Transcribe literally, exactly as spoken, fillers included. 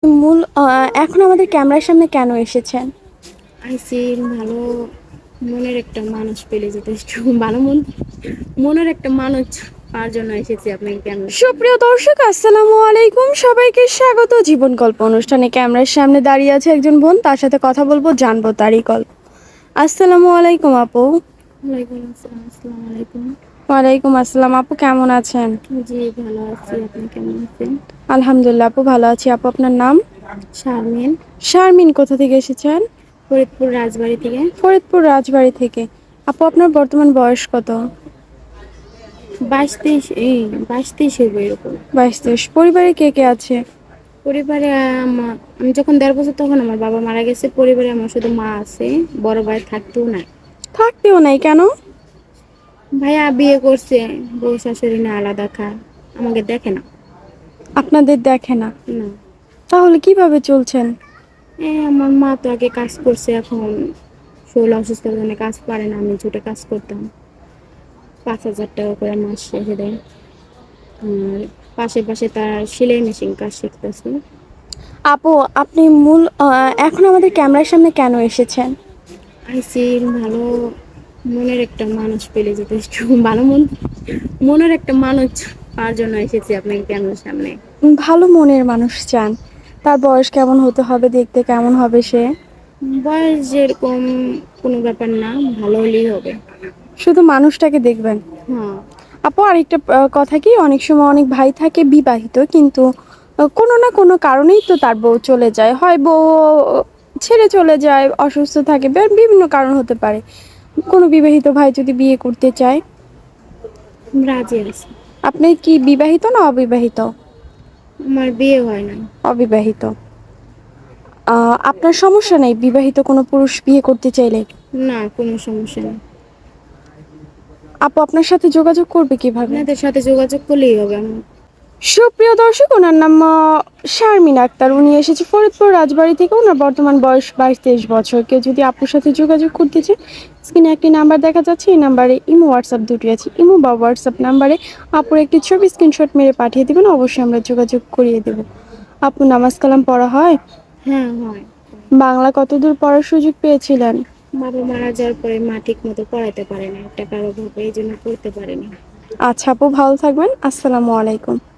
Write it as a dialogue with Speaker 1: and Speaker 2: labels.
Speaker 1: মূল আ এখন আমাদের ক্যামেরার সামনে কেন এসেছেন?
Speaker 2: আইসি ভালো মনের একটা মানুষ পেলে যথেষ্ট। ভালো মন মনের একটা মানুষ পাওয়ার জন্য এসেছি আপনাকে ক্যামেরার সামনে।
Speaker 1: সুপ্রিয় দর্শক, আসসালামু আলাইকুম। সবাইকে স্বাগত জীবন গল্প অনুষ্ঠানে। ক্যামেরার সামনে দাঁড়িয়ে আছে একজন বোন, তার সাথে কথা বলবো, জানবো তারই গল্প। আসসালামু আলাইকুম আপু।
Speaker 2: ওয়ালাইকুম আসসালাম। আসসালামু আলাইকুম।
Speaker 1: ওয়ালাইকুম আসসালাম। আপু কেমন আছেন?
Speaker 2: জি ভালো আছি। আপনি কেমন আছেন?
Speaker 1: আলহামদুলিল্লাহ আপু ভালো আছি। আপু আপনার নাম?
Speaker 2: শারমিন,
Speaker 1: শারমিন। কোথা থেকে এসেছেন?
Speaker 2: ফরিদপুর রাজবাড়ী থেকে।
Speaker 1: ফরিদপুর রাজবাড়ী থেকে। আপু আপনার বর্তমান বয়স কত?
Speaker 2: বাইশ তেইশ এই বাইশ তেইশ হইব এরকম।
Speaker 1: বাইশ তেইশ। পরিবারে কে কে আছে?
Speaker 2: পরিবারে আমা- আমি যখন দেড় বছর তখন আমার বাবা মারা গেছে। পরিবারে আমার শুধু মা আছে, বড় ভাই থাকতেও নাই।
Speaker 1: থাকতেও নাই কেন?
Speaker 2: ভাইয়া বিয়ে করছে, বউ শাশুড়ি না আলাদা খায়, আমাকে দেখে না।
Speaker 1: আপনাদের দেখে না?
Speaker 2: না,
Speaker 1: তাহলে কিভাবে চলছেন?
Speaker 2: এই আমার মা তো আগে কাজ করছে, এখন শরীর অসুস্থতার জন্য কাজ পারে না। আমি ছুটে কাজ করতাম, পাঁচ হাজার টাকা করে মাস রেখে দেয়। আর পাশে পাশে তার সেলাই মেশিন কাজ শিখতেছে।
Speaker 1: আপু আপনি মূল আ এখন আমাদের ক্যামেরার সামনে কেন এসেছেন?
Speaker 2: আইসি ভালো মনের একটা মানুষ পেলে যথেষ্ট। ভালো মন মনের একটা মানুষ পাওয়ার জন্য এসেছি আপনাকে ক্যামেরার সামনে।
Speaker 1: ভালো মনের মানুষ চান। তার বয়স কেমন হতে হবে? দেখতে কেমন হবে সে?
Speaker 2: বয়স যেরকম কোনো ব্যাপার না, ভালো হলেই হবে।
Speaker 1: শুধু মানুষটাকে দেখবেন?
Speaker 2: হ্যাঁ।
Speaker 1: আপু আরেকটা আ কথা কি, অনেক সময় অনেক ভাই থাকে বিবাহিত, কিন্তু আ কোনো না কোনো কারণেই তো তার বউ চলে যায়। হয় বউ ছেড়ে চলে যায়, অসুস্থ থাকে, বা বিভিন্ন কারণ হতে পারে। কোনো বিবাহিত ভাই যদি বিয়ে করতে চায়?
Speaker 2: রাজি আছি।
Speaker 1: আপনি কি বিবাহিত না অবিবাহিত?
Speaker 2: আমার বিয়ে হয় না।
Speaker 1: অবিবাহিত। আ আপনার সমস্যা নেই বিবাহিত কোনো পুরুষ বিয়ে করতে চাইলে?
Speaker 2: না, কোনো সমস্যা নেই।
Speaker 1: আপু আপনার সাথে যোগাযোগ করবে কিভাবে?
Speaker 2: আপনাদের সাথে যোগাযোগ করলেই হবে আমার।
Speaker 1: সুপ্রিয় দর্শক, ওনার নাম আ শারমিন আক্তার। উনি এসেছে ফরিদপুর রাজবাড়ী থেকে। ওনার বর্তমান বয়স বাইশ তেইশ বছর। কেউ যদি আপুর সাথে যোগাযোগ করতে চায়, স্ক্রিনে একটি নাম্বার দেখা যাচ্ছে। এই নাম্বারে ইমো, হোয়াটসঅ্যাপ দুটি আছে। ইমো বা হোয়াটসঅ্যাপ নাম্বারে আপুর একটি ছবি স্ক্রিনশট মেরে পাঠিয়ে দেবেন, অবশ্যই আমরা যোগাযোগ করিয়ে দেব। আপু নামাজ কালাম পড়া হয়?
Speaker 2: হ্যাঁ হয়।
Speaker 1: বাংলা কতদূর পড়ার সুযোগ পেয়েছিলেন?
Speaker 2: বাবা মারা যাওয়ার পরে মা ঠিক মতো পড়াইতে পারে না, টাকার অভাবে, এই জন্য পড়তে পারেনি।
Speaker 1: আচ্ছা আপু, ভালো থাকবেন। আসসালামু আলাইকুম।